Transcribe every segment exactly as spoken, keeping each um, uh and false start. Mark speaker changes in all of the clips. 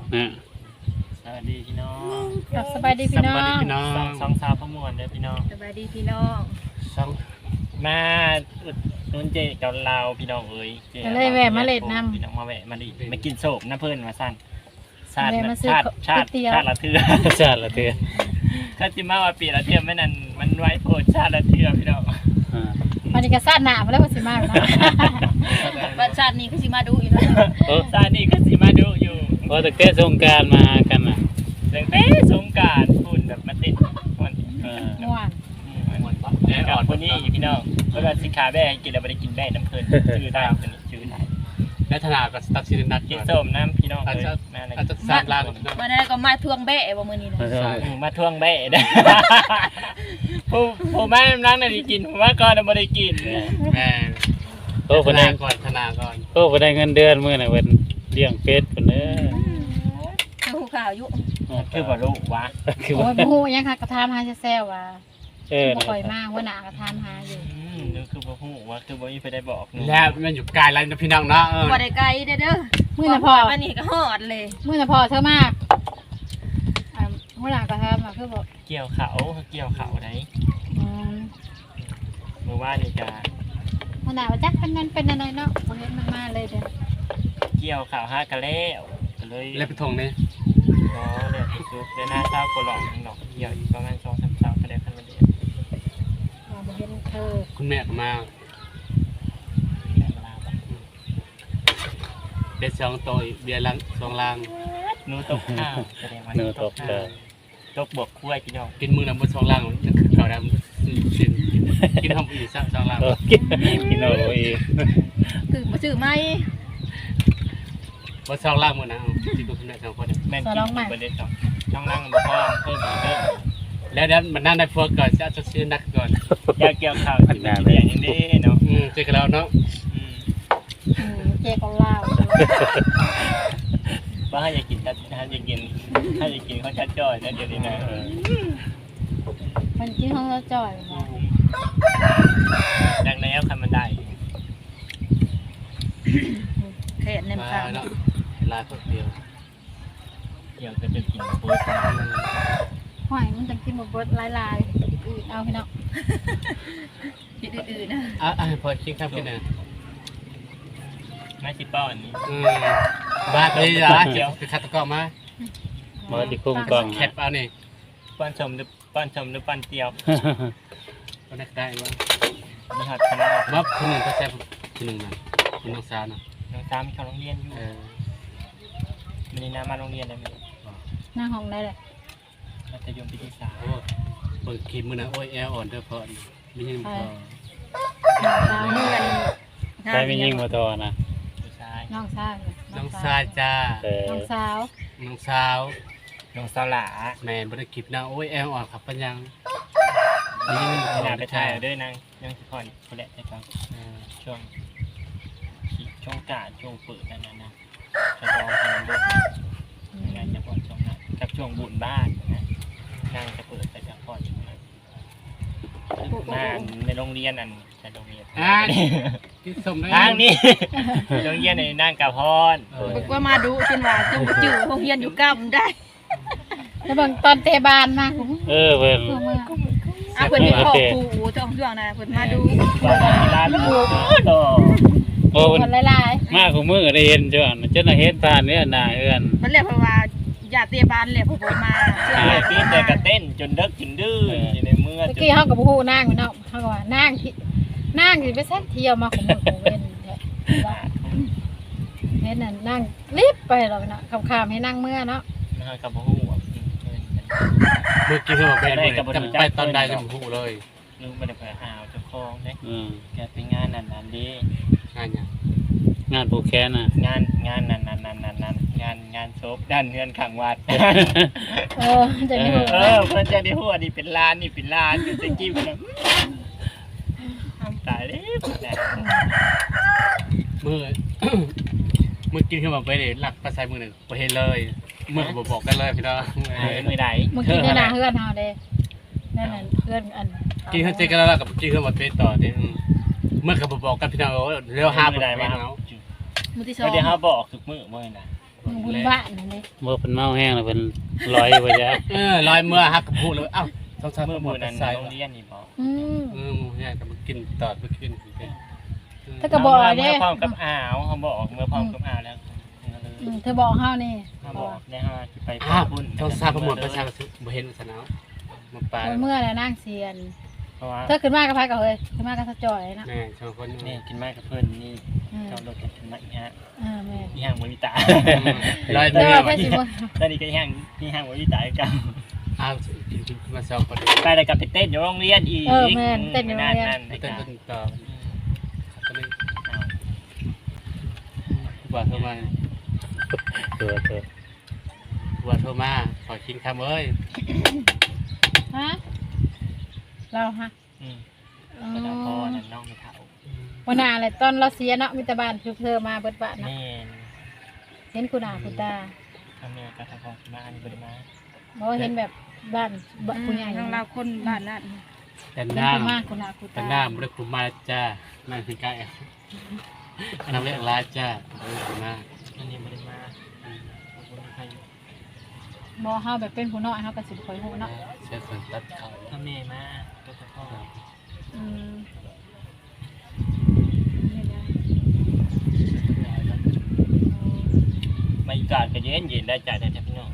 Speaker 1: นะ
Speaker 2: สวัสดีพี่น้อง
Speaker 3: สบายดีพี่น้อง
Speaker 1: สบายดีพี่น้อง
Speaker 2: สองสองสาวพมวนเด้อพี่น้อง
Speaker 3: สบายดีพี่น้อง
Speaker 2: สองมาอุดหนุ่นเจกับเราพี่น้องเอ้ยจ
Speaker 3: ก็เลยแวะมาเล่นน้ำ
Speaker 2: พี่น้องมาแวะมาดิมากินโศกน้ำเพิ่นมาสั้นชาติ
Speaker 3: แวะมาซื้อ
Speaker 2: ชาติชาติ
Speaker 3: ก๋วยเตี๋ยว
Speaker 2: ชาติละเทือ
Speaker 1: ชาติละเทือ
Speaker 2: ถ้าจิมาว่าปีละเทือไม่นั่นมันไว้โพดชาติละเทือพี่น้อง
Speaker 1: อ่า
Speaker 3: วันนี้ก็ซาดหนามาแล้ววันสิมาแล้วนะ
Speaker 4: บัดชาตินี้คือสิมาดูอีกแล้ว
Speaker 1: โอ้
Speaker 2: ชาตินี้ก็สิมาดูอยู่
Speaker 1: พอตั้งแต่สงกรารมากันน่ะ
Speaker 2: ตั้งแต่สงกรานต์พุ่นแบบมาติดมัน
Speaker 1: เออ
Speaker 3: ม่วน
Speaker 2: แดดอ่อนคนนี้พี่น้องเวลาสิขาแบ่กินแล้วไม่ได้กินแบ่น้ำเพลินชื่อได้เป็นชื่อได้
Speaker 1: และธนาก็ตัดสินนัด
Speaker 2: กิน
Speaker 1: ก่อน
Speaker 2: ส้มน้ำพี่น้อง
Speaker 1: อาจ
Speaker 2: เลย
Speaker 1: จะ
Speaker 2: มาเลย
Speaker 1: อาจจะสร้างร่าง
Speaker 4: วันนั้นก็มาทวงแบะบ่มื้อนี้นะ
Speaker 1: ใช่
Speaker 2: มาทวงแบ่ได้ผู้ผู้แม่นั่งน่ะได้กินผมว่าก่อนไม่ได้กิน
Speaker 1: แม่โอ้คนได้ก่อนธนาก่อนโอ้คนได้เงินเดือนมื้อน่ะเพิ่นเลี้ยงเป็ดเพิ่นเด้อ
Speaker 4: คือหูข่าวอยู่
Speaker 2: คือบ่รู้วะ
Speaker 1: คือ
Speaker 3: โอ้
Speaker 1: ว่าย
Speaker 3: บ่ฮู้ยังค่ะกระทามหาแซ่ๆว่า
Speaker 1: เออ
Speaker 3: บ่ค่อยมาหัวหน้ากระทามหาอยู่
Speaker 2: อืมนึกคือบ่ฮู้ว่าคือบ่มีไปได้บอกหนู
Speaker 1: แล้วมันอยู่ไกลแล้วนะพี่น้องเนาะเออ
Speaker 4: บ่ได้ไกลเด้อเด้อ
Speaker 3: มื้อน่ะพ่อ
Speaker 4: วันนี้ก็ฮอดเลย
Speaker 3: มื้อน่ะพ่อเธอมากอ่าหัวหน้ากระทามอ่ะคือบ่
Speaker 2: เกี่ยวเขาเกี่ยวเขาได้
Speaker 3: อืม
Speaker 2: เมื่อวานนี่ก็
Speaker 3: หัวหน้าว่าจักเป็นนั่นเป็นอะไรเนาะบ่เห็นมันมาเลยเด้อ
Speaker 2: เกี่ยวเขาหากะแล้วก็เลย
Speaker 1: แล้วไปทงนี่
Speaker 2: อ๋อเดี๋ยวซุปเดี๋ยวหน้าเศร้าก็หลอกดอกเกี่ยวอีกประมาณสองสามเศร้าก็ได้พันมาเดียว
Speaker 3: ว่าบ่เห็นเธอ
Speaker 1: คุณแม่ก็มา
Speaker 2: แต่เวลาบอก
Speaker 1: เด็ดสองตัวเบียร์ลังสองลัง
Speaker 2: หนูตกข้าวแสดงว่า
Speaker 1: หนูตก
Speaker 2: ข้า
Speaker 1: เล
Speaker 2: วย ตกบวกคุ้ยพี่น้อง
Speaker 1: กินมื้อละบ่สองลังนั่นคือเขาดำกินกินทำอีกสักสองลังกินกินเอาอีก
Speaker 4: คือบ่ซื้อไหม
Speaker 1: บ่สองลังมื้อนะที่คุณแม่สองคน
Speaker 2: แม่นกินอยู่บนเด็ดสองช่องล่างบ่พอเพิ่มอีกเพิ่ม
Speaker 1: แล้วนั้นมันนั่งได้พวกก่อนจะจะซื้อนักก่อน
Speaker 2: อยากเกี่ยวข้าวสิมันเป็นอย่างนี้เนาะ
Speaker 1: อืมเจอกันแล้วเนาะ
Speaker 2: อืม
Speaker 3: อืมเจของลาว
Speaker 2: ว่าให้อยากกินถ้าถ้าอยากกินถ้าอยากกินเขาชัดจ้อยนะเดี๋ยวนี้นะ
Speaker 3: มันกินของเราจ่อยบ่
Speaker 2: ดังแล้วคันมันได้
Speaker 4: แค่ใน
Speaker 1: มา
Speaker 4: ข่าว
Speaker 1: เนาะลาคนเดียว
Speaker 2: เดี๋ยวจะจะกินโป๊ยกัน
Speaker 3: หอยมันจะกินบ่เบิดหลายๆอื่นเอาพี่น้อง
Speaker 4: คิดอื่นๆนะ
Speaker 1: อ่ะอ่ะพอคิดครับพี่นะ
Speaker 2: ไม่ชิป้อนนี้
Speaker 1: อืมบ้าไปเลยจ้ะเดี๋ยวไปคัดตะกร้อมา
Speaker 5: มาที่คุ้มกล้อง
Speaker 1: แคปเอานี่
Speaker 2: ป้อนชมหรือป้อนชมหรือป้อนเตียว
Speaker 1: ก็ได้ได้ว่า
Speaker 2: มีหัดคณะ
Speaker 1: ว่าคนหนึ่งก็แซ่บคนหนึ่งนั่นคนน้องสาวน่ะ
Speaker 2: น้องสามเขาโรงเรียนอยู่
Speaker 1: เออ
Speaker 2: มันนี่น้ามาโรงเรียนเลยมั้ย
Speaker 3: หน้าห้องได้เลย
Speaker 2: มัธยมปีที่สาม
Speaker 1: โอ้เปิดคลิปมือนะโอ้ยแอร์อ่อนเด้อพอไม่ใช่พอ
Speaker 3: สาว
Speaker 4: นี่
Speaker 3: นี่
Speaker 4: กัน
Speaker 5: ใช้ไม่ยิ่งมาทอนะ
Speaker 2: ผู้ชาย
Speaker 3: น้องสาว
Speaker 1: น้องสาวจ้า
Speaker 5: เออ
Speaker 3: น้องสาว
Speaker 1: น้องสาว
Speaker 2: น้องสาวหลา
Speaker 1: แม่บริคลิปนะโอ้ยแอร์อ่อนครับปัญญัง
Speaker 2: นี่
Speaker 1: นี่
Speaker 2: มัน
Speaker 1: มัน
Speaker 2: หนาไปถ่าย
Speaker 1: เด้
Speaker 2: ด้วยนางยังสิพอนคนแหละแต่ก็ช่วงช่วงกาดช่วงเปิดนั่นนะจะลองทำบุญงานจะพอนช่วงนั้นกับช่วงบุญบ้านนะนางจะเปิดแต่จะพอนช่วงนั้นมาในโรงเรียนอันในโรงเรียน
Speaker 1: อ่าที่สมได้
Speaker 2: ทางนี้โรงเรียนในนางกับพร
Speaker 4: บอกว่ามาดูจนว่าจงบ่จื้อโรงเรียนอยู่กำได้
Speaker 3: แล้วบางตอนเตะบานมาผม
Speaker 5: เออเพิ่น
Speaker 3: เพื่อเมื่อ
Speaker 4: อ่ะเพิ่นเป็นพ่อครูจ้องเรื่องนะเพิ่นมาดู
Speaker 2: ว่ามีร้านลูกต่อ
Speaker 5: โอ้
Speaker 3: ค
Speaker 5: เพิ่น
Speaker 3: นหลาย
Speaker 5: มาของมือได้เห็นจ้ะจนน่ะเห็นผ่านเนี่ยหน้าเอื้อน
Speaker 4: มันเรียกว่าอย่าเตะบานเลยพวกผมมาเชื่อ
Speaker 2: ใช่
Speaker 4: ว่า
Speaker 2: ปีนแต่กระเต้นจนเด็กจนดื้ออยู่ในเมื่อ
Speaker 3: ๆเมื่อกี้เขากับผู้นั่งอยู่เนาะเขาก็ว่านั่งที่นั่งสิไปแซ่เที่ยวมาของมือของเว้นแท้เห็นนั่นนั่งรีบไปหรอกเนาะคำๆให้นั่งเมื่อเนาะ
Speaker 2: นะครับกับผู้
Speaker 1: เมื่อกี้เขาบอกไปจำไปตอนใดจำหูเลย
Speaker 2: ลุงไม่ได้ไปหาวเจ้าของเนี่ย
Speaker 5: อืม
Speaker 2: แกไปงานนั่นนั่นดี
Speaker 1: งานยัง
Speaker 5: งานผูกแขนน่ะ
Speaker 2: งานงานนั่นนั่นนั่นนั่นนั่นงานงานโซฟด้านเงินขังวัด
Speaker 3: เออจะมี
Speaker 2: เออเพื่อนจะได้หัวนี่เป็นล้านนี่เป็นล้านเป็นสกี้เป็นตายเลยแหละ
Speaker 1: เมื่อ เมื่อกี้เขาบอกไปเลยหลักภาษามือหนึ่งไปเห็นเลยเมื่อเขาบอกกันเลยพี่น้อง
Speaker 2: มือไหน
Speaker 3: เมื่อกี้ในนาเฮือนเฮาเด้นั่นน่ะเฮือนอัน
Speaker 1: กินเขาเจอกันแล้วกับกินเขาบอกไปต่อเด้เมื่อเขาบอกกันพี่น้องเร็วห้า
Speaker 2: มือไหน
Speaker 1: ไป
Speaker 2: มา
Speaker 1: เนาะ
Speaker 4: มือที่สอง
Speaker 2: ไม่ได้ห้าบอกทุกมือเมื่อนะ
Speaker 1: เอ
Speaker 3: บุญบ้านนั่นเลย
Speaker 5: บ่เพิ่นเมาแห้งแล้วเพิ่นลอยไปจ้ะ
Speaker 1: เออลอยเมื่อฮักกับพูดเลยเอ้าต้องใช้
Speaker 2: เมื่อ
Speaker 1: หม
Speaker 2: มื
Speaker 1: ด
Speaker 2: อนั้น
Speaker 1: ใส่
Speaker 2: โรงเรียนนี่บอก
Speaker 3: อืม
Speaker 1: เออหมูแห้งกับมากินตอดมากิน
Speaker 3: ถ้าก็บอกเด้
Speaker 2: เมื่อพร้อมกับอ่าวเขาบอกเมื่อพร้อมกับอ่าวแล้ว
Speaker 3: อืมเธอบอกเฮานี่
Speaker 2: เขาบอกได้ฮะไป
Speaker 1: อ้าว
Speaker 2: บุญ
Speaker 1: ต้องทราบประมวลประชาชนบ่เห็นสนาวมาปลา
Speaker 3: เมื่อแล้วนางเซียน
Speaker 2: เพราะว่า
Speaker 3: เธอขึ้นมากับไผก็เฮ้ยขึ้นมากับสะจอยนะ
Speaker 1: แม่ชาวคน
Speaker 2: นี่กินไม้กับเพื่อนนี่
Speaker 3: อืม
Speaker 2: เจ้ารถกันกินไม้ฮะ
Speaker 3: เออแม่
Speaker 2: มีห้างมวิตา
Speaker 1: ลอย
Speaker 3: แต่
Speaker 1: เมื่อ
Speaker 3: ว่าเพิ่นสิบ่
Speaker 2: ตอนนี้ก็ห้างมีห้างมวิตากัน
Speaker 1: อ้าวกินกินมาสองคน
Speaker 2: ไปแล้วกับไปเต้นอยู่โรงเรียนอีก
Speaker 3: เออแม่นเต้นอยู่โรงเรียน
Speaker 2: นั่น
Speaker 1: ไม่
Speaker 2: ๆ
Speaker 1: เต้น
Speaker 2: นะ
Speaker 1: ต้นต่อก็เลยว่าโทรมา
Speaker 5: เออเออ
Speaker 1: ว่าโทรมาขอกินคำเอ้ย
Speaker 3: ฮะเราฮะ
Speaker 2: อืม
Speaker 3: อ๋อ
Speaker 2: ก็จะพอนั่นน้องไม่เท่า
Speaker 3: วันหน้าแหละตอนเราเสียเนาะมีแต่บ้านคือเธอมาเบิดบ้านเนาะ
Speaker 2: แม่น
Speaker 3: เห็นคุณอาคุณตา
Speaker 2: ทำแม่ก็ทำของมาอันนี้บริมา
Speaker 3: บ่เห็นแบบบ้านบ้านผู้ใหญ่
Speaker 4: ทางเราคนบ้านนั่น
Speaker 1: แต่
Speaker 3: เป็น
Speaker 1: หน้า
Speaker 3: ผู้มากคุณอาคุณ
Speaker 1: แต่
Speaker 3: ตา
Speaker 1: หน้าไม่ได้คุมมาจ้านั่นคือใกล้อันนั้นเรียกร้ายจ้าเออคุมมา
Speaker 2: อันนี้บริมาขอบคุณใคร
Speaker 3: บ่เฮาแบบเป็นผู้น้อยเฮาก็สิบ่ค่อยฮู้เนาะ
Speaker 1: เชื่อส่วนตัดเขา
Speaker 2: ทำแม่มาก็จะพ่อ
Speaker 3: อืม
Speaker 2: มาอีกาดก็เย็นเย็นได้จ่ายได้แต่พี่น้อง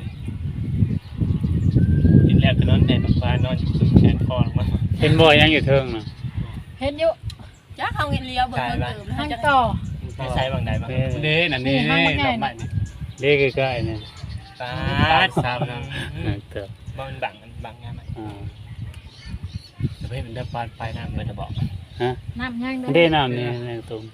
Speaker 2: กินแล้วก็นอนแทนฟ้านอนแขนคอลงมา
Speaker 5: เห็นบ่ยังอยู่เทิงน่ะ
Speaker 3: เห็นอยู่
Speaker 4: จ้าเขาเงินเลี้ยวเบิกเงินเติม
Speaker 3: ทางต่อ
Speaker 2: ไม่ใช่บางใดบ้าง
Speaker 1: เด้นั่นนี่ดอกไม้นี่
Speaker 5: เด็กใกล้ๆนี่
Speaker 2: ตา
Speaker 1: สามนะ
Speaker 5: นั่นเถอะ
Speaker 2: บ้านบังบังงานไหม
Speaker 5: อ่า
Speaker 1: จะไปเป็นเดินปานไปนะ
Speaker 2: เมื่อจะบอก
Speaker 5: ฮะ
Speaker 3: น้ำย่าง
Speaker 5: เด้น้ำนี่ในตรง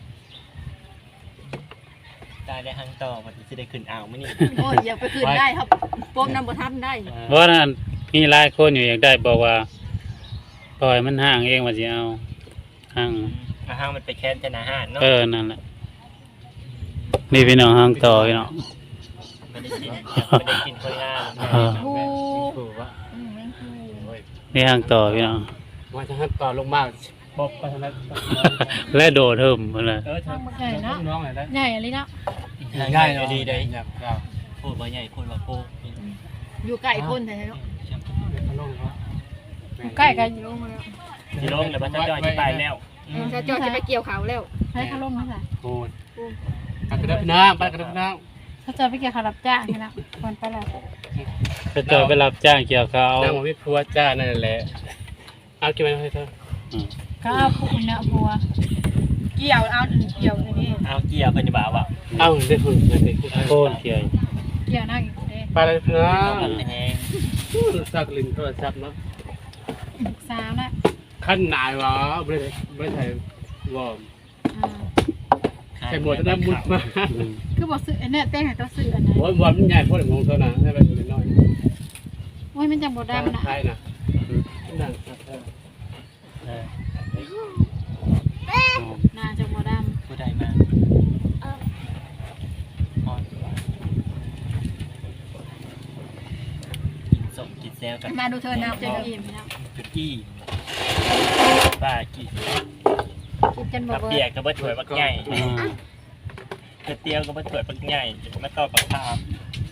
Speaker 2: ตายได้หังต่อวันที่จะได้ขึ้นอ่าวมั้ยนี่
Speaker 4: โอ้ยอย่าไปคืนได้ครับโปมน้ำบ่ทันได้
Speaker 5: เพราะนั้นมีหลายคนอยู่อยากได้บอกว่าปล่อยมันห่างเองว่าสิเอาห่าง
Speaker 2: อาห้างมันไปแค้นจะนาห้านเนาะ
Speaker 5: เออนั่นแหละนี่พี่น้องห่างต่อพี่น้อง
Speaker 2: ไม่ได้กินไม่ได้กินคนงาน
Speaker 5: เออ
Speaker 3: ผู้
Speaker 1: ถูกว่า
Speaker 4: อืมแม่งคือ
Speaker 5: นี่ห่างต่อพี่น้อง
Speaker 1: ว่าจะให้ต่อลงมาบอกไปทางนั้น
Speaker 5: และโดดเทิมมาเลย
Speaker 2: เออ
Speaker 3: ทางใหญ่เนาะ
Speaker 1: น้องไหนได้
Speaker 3: ใหญ่อะไรเนาะ
Speaker 2: ง่ายดีเลย
Speaker 1: อยากเรา
Speaker 2: พูดว่าใหญ่พูดว่าโป้
Speaker 4: อยู่ใกล้คนแต่เนาะ
Speaker 1: เขาลงเขา
Speaker 3: ใกล้กัน
Speaker 4: ลงมาแล้ว
Speaker 2: ที่ลงแล้วมันจะจอยที่ไปแล้ว
Speaker 4: จะจอดจะไปเกี่ยวเขาแล้ว
Speaker 3: ให้เขาลงมาใส่
Speaker 1: โอ้ยไปกระดับน้ำไปกระดับน้
Speaker 3: เขาจะไปเกี่ยวขารับจ้างนี่นะคนไปแล้ว
Speaker 5: จะจอยไปรับจ้างเกี่ยวข้าว
Speaker 1: ำน้ำมันไม่พัวจ้านั่นแหละเอากินไปให้เธอ
Speaker 5: อืม
Speaker 3: เขาเอาผู้เนี่ยผัว
Speaker 4: เกี่ยวเอาเกี่ยวอย่างนี้
Speaker 2: เอาเกียร์เพิ่นจะบ่าวอ่ะ
Speaker 1: เอาได้หุ่นเลยดิ
Speaker 5: โค่นเกี่ยว
Speaker 3: เกี่ยวหน้าอีกเด้
Speaker 1: ไปเลยนะ
Speaker 2: เอาแบบแห้ง
Speaker 1: สักลิ้นโทรศัพท์เนาะ
Speaker 3: สาวนะ
Speaker 1: ขั้นหนายวะไม่ได้ไม่ใช่วอร์ม
Speaker 3: อ่า
Speaker 1: ใส่หมวกจะได้มุดมา
Speaker 5: อืม
Speaker 3: คือบอกซื้ออันเนี้ยเต้งให้ตัวซื้ออันนั้น
Speaker 1: โอ้ยวอร์มมันใหญ่พอดีมองเท่านั้นให้ไปเป็นน้อย
Speaker 3: โอ้ยมันจังบ่ดำนะ
Speaker 1: ใช่นะนั่ง
Speaker 2: เออ
Speaker 3: น่าจังบ่ด
Speaker 2: ผู้ใดมาอ่อนกินสมกินแซวกัน
Speaker 4: มาดูเธอ
Speaker 3: ำ
Speaker 4: น้ำ
Speaker 3: จะ
Speaker 4: เจ้า
Speaker 3: อิ่มนะ
Speaker 2: จุดอี้ป้ากี่
Speaker 3: จนบ่
Speaker 2: กับ
Speaker 3: เบิ
Speaker 2: เปีย
Speaker 3: ด
Speaker 2: กกับเบิดถวยบักใหญ่
Speaker 5: อ่า
Speaker 2: กระเตียวกับเบิดถวยบักใหญ่มาต่อปักขาม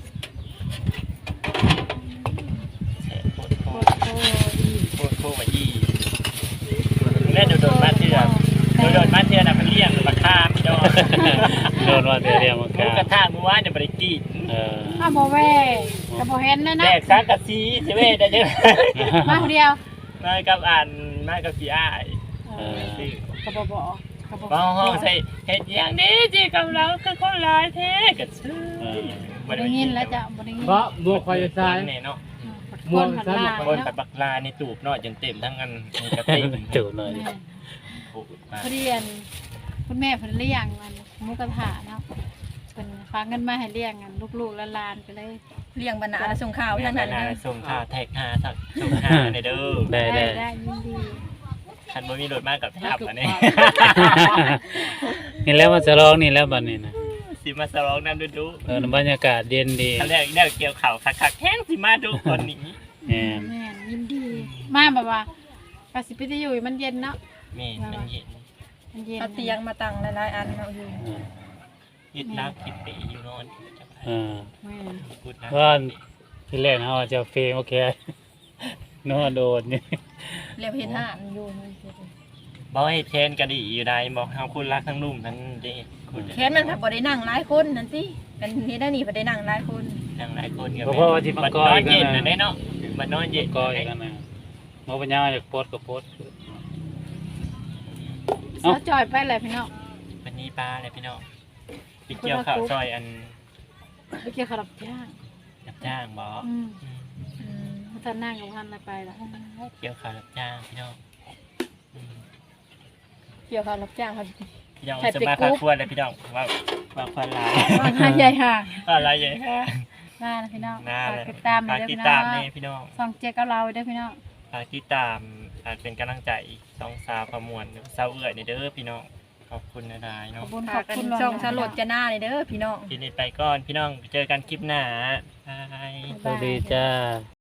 Speaker 2: แฉะโคตรโค
Speaker 3: โอ้
Speaker 2: ตร
Speaker 3: โห
Speaker 2: โคตรโคตรมายี่แม่โดดโดดมาเถื่อนโดดโดดมาเถื่อนอ่ะมันเลี้ยงบักขามพี่น้อง
Speaker 5: โดนว่าเดี๋ยวเรียกมา
Speaker 2: หมู
Speaker 5: กาก
Speaker 2: ระทะมือว่านเนี่ยบริกีด
Speaker 5: เออ
Speaker 3: อ้าวบ่แว่ก็บ่เห็นเลย
Speaker 2: แด
Speaker 3: นะ
Speaker 2: กซักกะซีเสเว่ได้ยัง
Speaker 3: มาคนเดียว
Speaker 2: มากับอ่านมากับพี่อ้าย
Speaker 5: เออ
Speaker 2: ซื้อ
Speaker 3: ก็บ่บอกก็บ่
Speaker 2: มาห้องใส่เห็ดอย่างนี้จีกับเราคือคนหลายแท้กัซื้อ
Speaker 3: บ่ได้ยินแล้วจ้ะบ่ได้ยิน
Speaker 1: เพราะบัวคอยจะตาย
Speaker 2: แน่เนาะ
Speaker 3: คนผัดลา
Speaker 2: คน
Speaker 3: เนาะ
Speaker 2: ปัดบักลาในตูบเนาะจนเต็มทั้งอันกระติก
Speaker 5: จุหน่อย
Speaker 3: แม่
Speaker 2: โอ้โหมา
Speaker 3: พอดีอันคุณแม่เพิ่นเลี้ยงมันหมูกระทะเนาะเพิ่นฝากเงินมาให้เลี้ยงกันลูกๆหลานๆไปเลย
Speaker 4: เลี้ยงบรรณาส่งข่าวทั้งนั้น
Speaker 2: นา
Speaker 4: เลย
Speaker 2: ส่งข่าวแท็กหาสักส่งหาในเด้อ
Speaker 5: ได้ได้
Speaker 3: ได้ยินดี
Speaker 2: คันบ่มีรถมากกับแทบอันนี้
Speaker 5: นี่แล้วมันจะร้องนี่แล้วบัดนี้นะ
Speaker 2: สิมาสลองน้ำดูดู
Speaker 5: เออบรรยากาศเย็นดี
Speaker 2: คันแรกเนี่ยเกี่ยวข่าวคักๆแห้งสิมาดูคนนี้
Speaker 5: แหม
Speaker 3: แม่นยินดี มาแบบว่าก็สิไปอยู่มันเย็นเนาะ
Speaker 2: แม่มันเย็น
Speaker 3: มันเย็น
Speaker 4: เอาเตียงมาตั้งหลายๆอันเอาอยู่
Speaker 5: เออ
Speaker 2: ยึดรักคิดไปอยู่นอนจะไป
Speaker 5: อ่า
Speaker 3: แม่น
Speaker 2: พูดนะ
Speaker 5: ว่าที่แรกเฮาจะเฟรมโอเค นัวโดนนี่
Speaker 4: เรียบเห็นห่านอยู่นี่
Speaker 2: บอกให้แทนก็ดีอยู่ได้บอกเฮาคุณรักทั้งลุ่มทั้งเด้คุณ
Speaker 4: แค้นมันผักบ่ได้นั่งหลายคนนั่นสิกันนี่ได้นี่บ่ได้นั่งหลายคน
Speaker 2: ทั้งหลายคนก็
Speaker 5: เพราะว่าที่มั
Speaker 2: บั
Speaker 5: น
Speaker 2: ด
Speaker 5: ก็
Speaker 2: นอน
Speaker 5: อีก
Speaker 2: เย็น
Speaker 5: นะ
Speaker 2: น่ะได้เนาะบัดนอนเย็น
Speaker 5: ก็อีกแล้วนะหมอปัญญาอยากโพสต์ก็โพสต์
Speaker 3: เสาจอยไปเลยพี่น้อง
Speaker 2: วันนี้ปลาเลยพี่น้องไปเกี่ยวข้าวซอยอัน
Speaker 3: ไปเกี่ยวขาวรับจ้าง
Speaker 2: รับจ้างบ่
Speaker 3: อืม
Speaker 2: อืม
Speaker 4: อืม
Speaker 3: ถ้านั่งกับพันอะไรไปล่ะ
Speaker 2: เกี่ยวข้าวรับจ้างพี่น้องอืม
Speaker 4: เกี่ยวกับรับจ้างครับ
Speaker 2: พี่น้อง
Speaker 3: ใคร
Speaker 2: จะ
Speaker 3: ไป
Speaker 2: มา
Speaker 3: กุ๊
Speaker 2: พา
Speaker 3: บ
Speaker 2: ควนเลยพี่น้องว่าว่าควนหลาย
Speaker 3: ว่าหาใหญ่ห่าง
Speaker 2: อะไรใหญ่ค่ะ
Speaker 3: หน้านะพี่น้อง
Speaker 2: หน้า
Speaker 3: ฝาก
Speaker 2: เลย
Speaker 3: ติดตามเล
Speaker 2: ฝาย ก
Speaker 3: เด้อ
Speaker 2: ติด
Speaker 3: พี่น้
Speaker 2: ตา
Speaker 3: อ
Speaker 2: ม
Speaker 3: ง
Speaker 2: นี่พี่น้อง
Speaker 3: ส่องเจ๊กับเราเด้อพี่น้อง
Speaker 2: ฝากติดตามอาจเป็นกำลังใจสองสาวประมวลสาวเอื่อยนี่เด้อพี่น้องขอบคุณนะนาย
Speaker 3: ขอ
Speaker 2: เนาะ
Speaker 3: บคุณข
Speaker 4: ฝา
Speaker 3: อก บ
Speaker 4: กัน
Speaker 3: คุณ
Speaker 4: ช่องสลดจะหน้าเลยเด้อพี่น้อง
Speaker 2: ทีนี้ไปก่อนพี่น้องเจอกันคลิปหน้าบาย
Speaker 5: สวัสดีจ้า